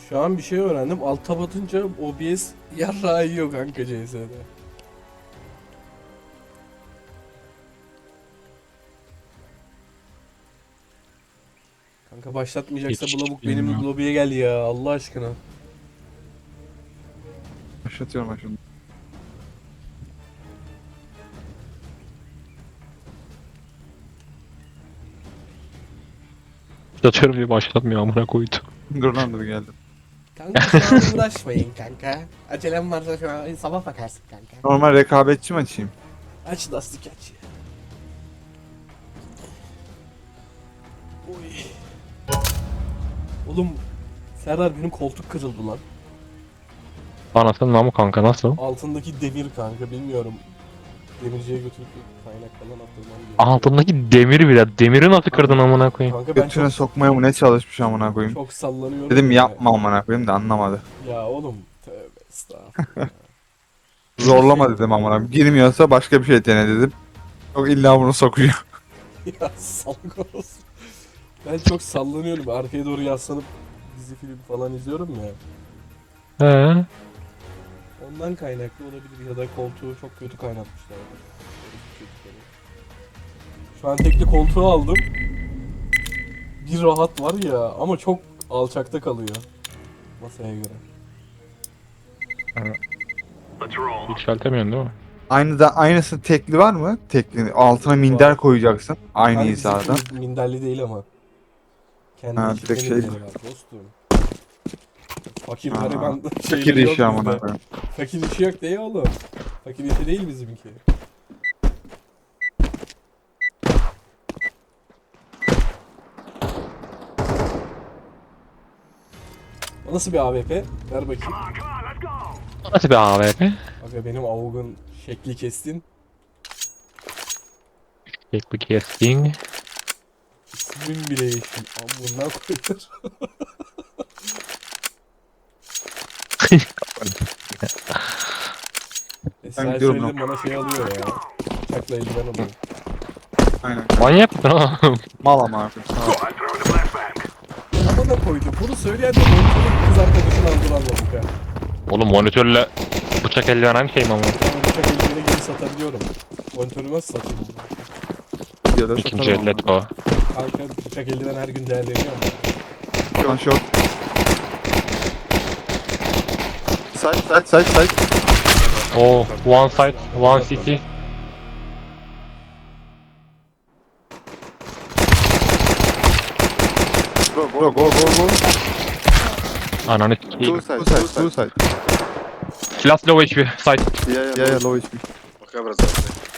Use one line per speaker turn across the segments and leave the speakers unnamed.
Şu an bir şey öğrendim. Alta batınca OBS yarrağı yiyor kanka CS'de. Kanka başlatmayacaksa bu lavuk benim
bilmiyorum.
lobiye gel ya Allah aşkına.
Başlatıyorum ben şunu.
Yatıyorum diye başlatmıyor amına koydu.
Dur lan dur geldim.
Kanka şu an uğraşmayın kanka. Acelem varsa şu an sabah bakarsın kanka.
Normal rekabetçi mi açayım?
Aç lastik aç. Oy. Oğlum Serdar benim koltuk kırıldı lan.
Anasının namı kanka nasıl?
Altındaki demir kanka bilmiyorum. Demirciye götürüp kaynak falan attırmam gerekiyor.
Altındaki demiri bile. Demiri nasıl kırdın amına koyayım?
Kanka ben
Götüne
çok,
sokmaya mı ne çalışmış amına koyayım.
çok sallanıyorum.
Dedim
ya.
yapma amına koyayım da anlamadı.
Ya oğlum tövbe estağfurullah.
Zorlama dedim amına koyayım. Girmiyorsa başka bir şey dene dedim. Yok illa bunu sokuyor.
Ya salak olsun. Ben çok sallanıyorum. Arkaya doğru yaslanıp dizi film falan izliyorum ya.
He.
Ondan kaynaklı olabilir ya da koltuğu çok kötü kaynatmışlar. Şu an tekli koltuğu aldım. Bir rahat var ya ama çok alçakta kalıyor. Masaya göre.
Yükseltemiyorsun değil mi?
Aynısı tekli var mı? Tekli. Altına minder
Var.
koyacaksın. Aynı
Hani
hizada.
bizimki minderli değil ama. Kendi
Ha,
içinde
direkt şey-
minderi var dostum. Fakir
Ha,
gariban
Fikir
şeyleri yok
işi amına
bizde.
koyayım.
Fakir işi yok değil oğlum. Fakir işi değil bizimki. O nasıl bir AWP? Ver bakayım.
Nasıl bir AWP?
Aga benim AUG'un şekli kestin.
Tekli casting.
İsmim bile yeşil. Amına koyar. Esra
gidiyorum
söyledim bana şey alıyor ya. Bıçakla eldiven alıyor.
Aynen.
Manyak mısın oğlum?
Mal amına koyayım.
Amına koydum. Bunu söyleyen de monitörün kız arkadaşını aldıranladık ha.
Oğlum monitörle bıçak eldiven aynı şey mi ama?
Ben bıçak eldiveni gibi satabiliyorum. Monitörü nasıl satayım?
Ya da
İkinci
satarım
ellet
amına
o.
Kanka bıçak eldiven her gün değerleniyor ama.
koyayım. Şu an şok. Side.
Oh, one side, one city.
Go.
Ananı
Two
sikeyim.
side.
Two side.
Last low HP, side.
Yeah,
Low HP.
Okay, brother.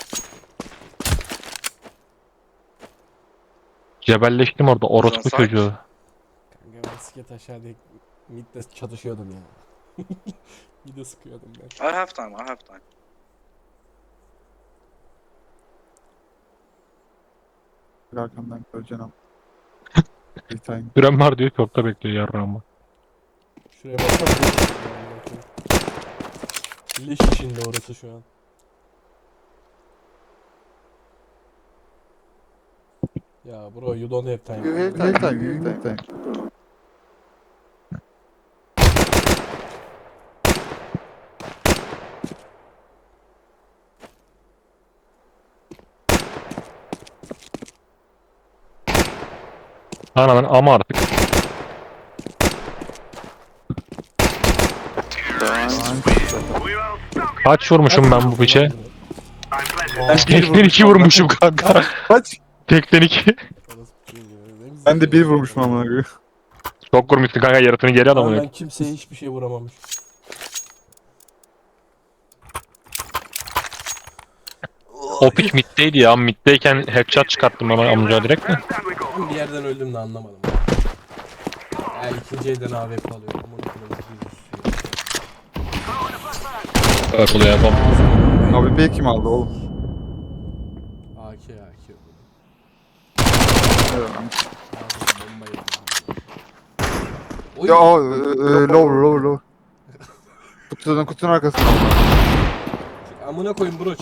Cebelleştim orada orospu
Side.
çocuğu.
Kanka ben sket aşağıda midde çatışıyordum ya. Midde sıkıyordum ben.
I have time.
Arkamdan göreceksin ama. Bir tane.
Süren var diyor ki orta bekliyor yarrağımı.
Şuraya baksana. Leş içinde orası şu an. Ya bro you don't have time.
You have
Bir tane.
Ananın ama artık. Kaç vurmuşum ben bu piçe? Tekten 2 vurmuşum kanka.
Kaç?
Tekten 2.
Ben de bir vurmuşum amına koyayım.
Çok vurmuşsun kanka yaratını geri
Ama
adamı.
ben kimseye hiçbir şey vuramamış.
O piç middeydi ya. Middeyken headshot çıkarttım ama amca direkt de.
Ben bir yerden öldüm de anlamadım. Ya ikinci elden AWP alıyorum.
Purple ya bom.
Abi B kim aldı oğlum?
AK.
Evet.
Bombayı. Oy.
Ya low. Kutunun arkasında.
Amına koyun bro çık.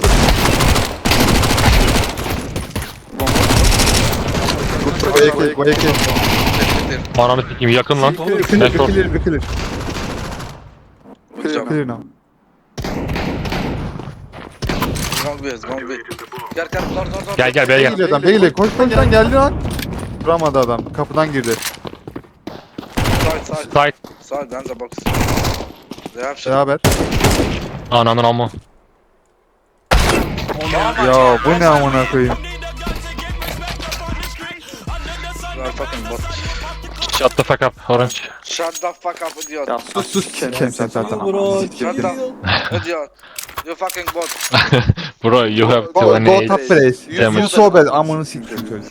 Bayaki.
clear.
Ananı sikeyim yakın lan.
Oğlum,
Clear,
Network.
clear, clear.
Good job.
Clear now.
Wrong way, wrong way. Gel gel, door.
Gel gel beye
Ne
gel.
geliyor adam? Ne geliyor? Koş koş lan geldi lan. Duramadı adam. Kapıdan girdi.
Side.
Side.
Side, then the box. They have shit.
Beraber.
Ananın ama.
Ya bu ne amına koyayım.
You are fucking bot.
Shut the fuck up Orange.
Shut the fuck up, idiot.
Ya
Sus sikerim sen zaten.
Bro,
Shut up, idiot. You fucking bot.
Bro you have
Go
28.
top place.
Damage.
You so bad. Amını siktim çocuk.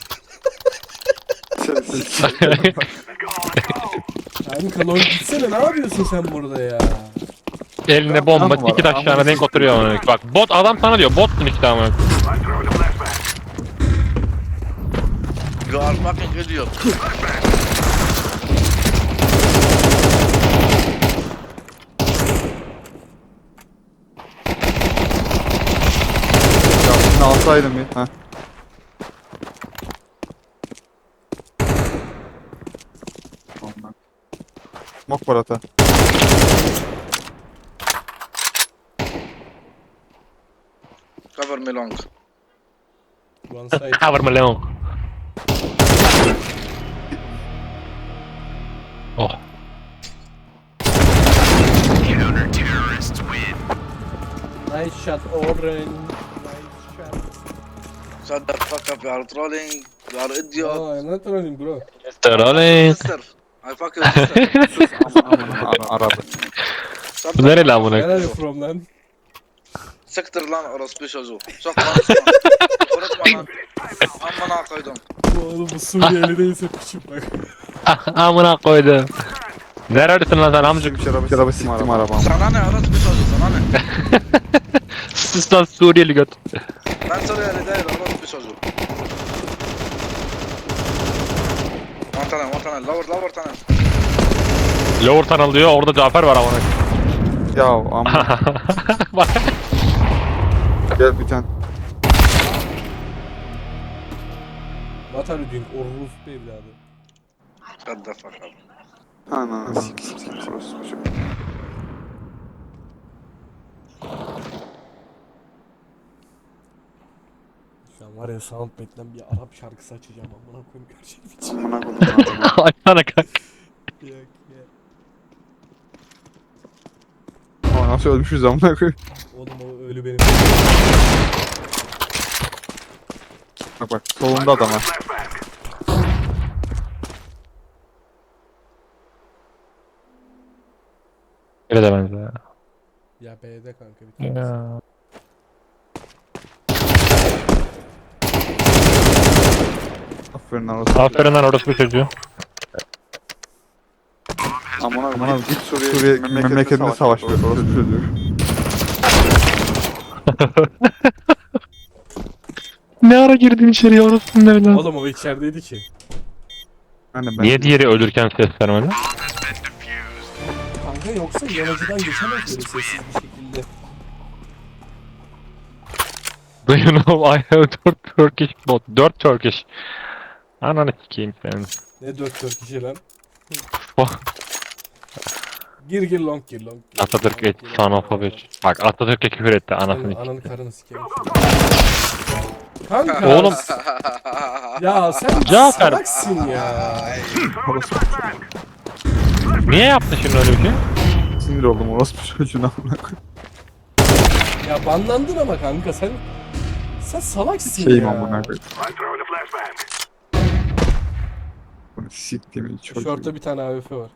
Kanka long gitsene, ne yapıyorsun sen burada ya?
Eline bomba
Tamam var,
iki taşlarına
amına
denk oturuyor amına. Bak bot adam sana diyor botsun işte amına.
You are fucking idiot.
Ya şunu alsaydım bir. Heh. Mok var ata.
Cover me long.
One side.
Cover me Leon. Oh.
Nice shot, Orange. Nice shot.
Shut the fuck up, you are trolling. You are idiot.
Oh, I'm not trolling, bro.
Sterling.
Sister. I fuck your sister.
Aradı.
Shut
Bu
the
nere lan bunu?
Where are you from lan?
Siktir lan orospu çocuğu. Çok konuşma. Unutma lan. Amına koydum.
Oğlum bu Suriyeli değilse piçim bak.
Amına koydum. Neredesin lan sen amcık?
Araba siktim arabamı.
Sana ne orospu çocuğu, sana ne?
Sus lan Suriyeli göt.
Ben Suriyeli değil, orospu çocuğu. One tunnel, lower tunnel.
Lower tunnel diyor orada Cafer var amına.
Ya amına.
Bak.
Gel bir tane.
What are you doing? Orospu evladı.
Shut the fuck up.
Ana sik.
Şu an var ya Soundpad'den bir Arap şarkısı açacağım amına koyayım gerçek bir şey.
Amına koydum adamı.
Açsana kanka.
Yok ya.
Ama nasıl ölmüşüz amına koyayım.
Oğlum o ölü benim.
Bak solunda adam var.
Öyle de benziyor.
Ya B'de kanka bir tane.
Ya.
Aferin arası.
Aferin lan orası bir çocuğu.
Aman git Suriye memleketinde savaş ver. Orası çocuğu.
Ne ara girdin içeriye orası ne lan?
Oğlum o içerideydi ki.
Ben
Niye diğeri ölürken ses vermedi?
Kanka yoksa yanıcıdan geçemez böyle sessiz bir şekilde.
Do you know I have 4 Turkish bot? 4 Turkish. Ananı sikeyim senin.
Ne 4 kişi lan?
Oh.
Gir long gir.
Atatürk et son of a bitch. Bak Atatürk'e küfür etti anasını.
Ananı karını sikeyim. Kanka.
Oğlum.
Ya sen
Cafer.
salaksın ya.
Niye yaptın şimdi öyle bir şey?
Sinir oldum orospu çocuğuna amına koyayım.
Ya banlandın ama kanka sen salaksın
Şeyim
ya.
amına koyayım. Bunu siktiğimi çocuğu.
Şortta bir tane AWP var.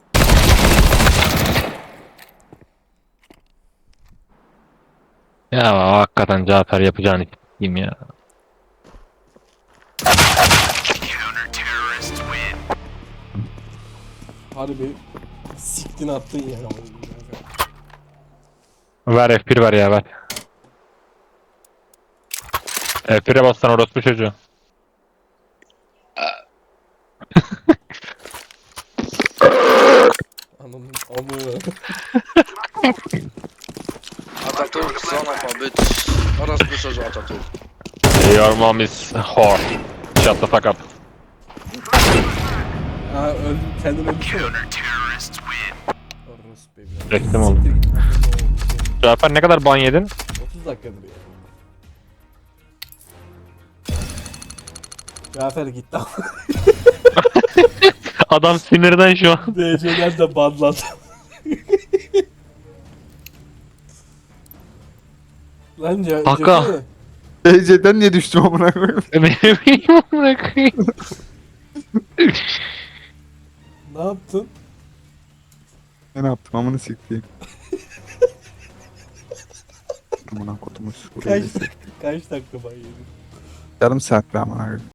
Ya hakikaten Cafer yapacağını s**eyim ya.
Harbi siktin attın ya.
Ver F1 ver ya ver. F1'e bassan orospu çocuğu.
Ananın amı.
Atatürk, son of a bitch. Orospu çocuğu Atatürk.
Your mom is whore. Shut the fuck up.
Ha öldüm, kendin öldün.
Reklam oldu. Cafer ne kadar ban yedin?
30 dakikadır ya. Cafer gitti ama
Adam sinirden şu an.
DC'ler de banlandı. Lan
Kaka.
DC'den niye düştüm amına koyayım?
Ne bileyim amına koyayım.
Ne yaptın?
Ne yaptım amına sikeyim. Amına kodumuz.
Kaç dakika ban yedin?
Yarım saat be amına koyayım.